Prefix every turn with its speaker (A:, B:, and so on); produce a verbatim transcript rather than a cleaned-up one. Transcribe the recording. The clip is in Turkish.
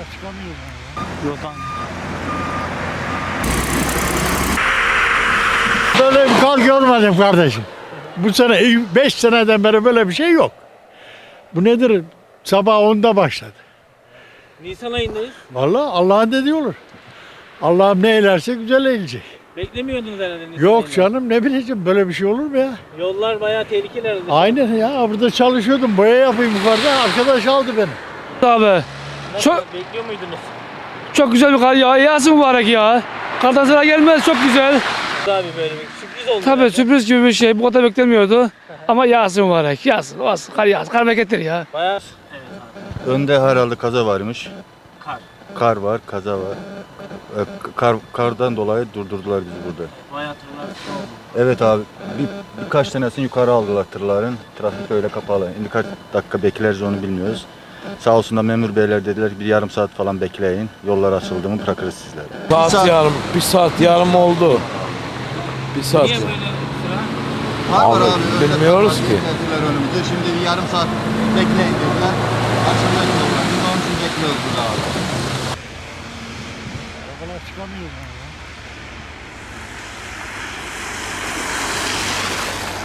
A: çıkamıyorum ben ya.
B: Yoldan.
A: Böyle bir kar görmedim kardeşim. Bu sene beş seneden beri böyle bir şey yok. Bu nedir? Sabah onda başladı.
B: Nisan ayındayız.
A: Vallahi Allah'ın dediği olur. Allah'ım ne eylerse güzel eylecek.
B: Beklemiyordunuz herhalde Nisan
A: Yok
B: ayında.
A: canım ne bileceğim böyle bir şey olur mu ya?
B: Yollar bayağı tehlikeli herhalde.
A: Aynen ya burada çalışıyordum boya yapayım yukarıda arkadaş aldı beni.
C: Abi
B: Nasıl,
C: çok
B: bekliyor muydunuz?
C: çok güzel bir kar ya. Yağsın mübarek ya. Kardan sıra gelmez çok güzel.
B: Abi böyle bir sürpriz oldu.
C: Tabii
B: herhalde.
C: sürpriz gibi bir şey. Bu kadar beklemiyordu. Ama yağsın mübarek. Yağsın. Olsun. Kar yağsın. Kar berekettir ya.
B: Bayağı
D: Önde herhalde kaza varmış.
B: kar.
D: Kar var, kaza var. Ee, Kar, kardan dolayı durdurdular bizi burada.
B: Bayağı tırlar oldu.
D: Evet abi, bir, birkaç tanesini yukarı aldılar tırların. Trafik öyle kapalı. Şimdi kaç dakika bekleriz onu bilmiyoruz. Sağ olsun da memur beyler dediler bir yarım saat falan bekleyin. Yollar açıldı mı bırakırız sizleri.
E: Saat,
D: saat-
E: yarım, bir saat yarım oldu. Bir saat.
B: Niye böyle sıra?
E: Abi, bilmiyoruz ki.
D: Önümüzde. Şimdi bir yarım saat bekleyin dediler. Açılacak yollar. Biz onun için bekliyoruz burada abi.
A: Arabalar çıkamıyorum ben ya.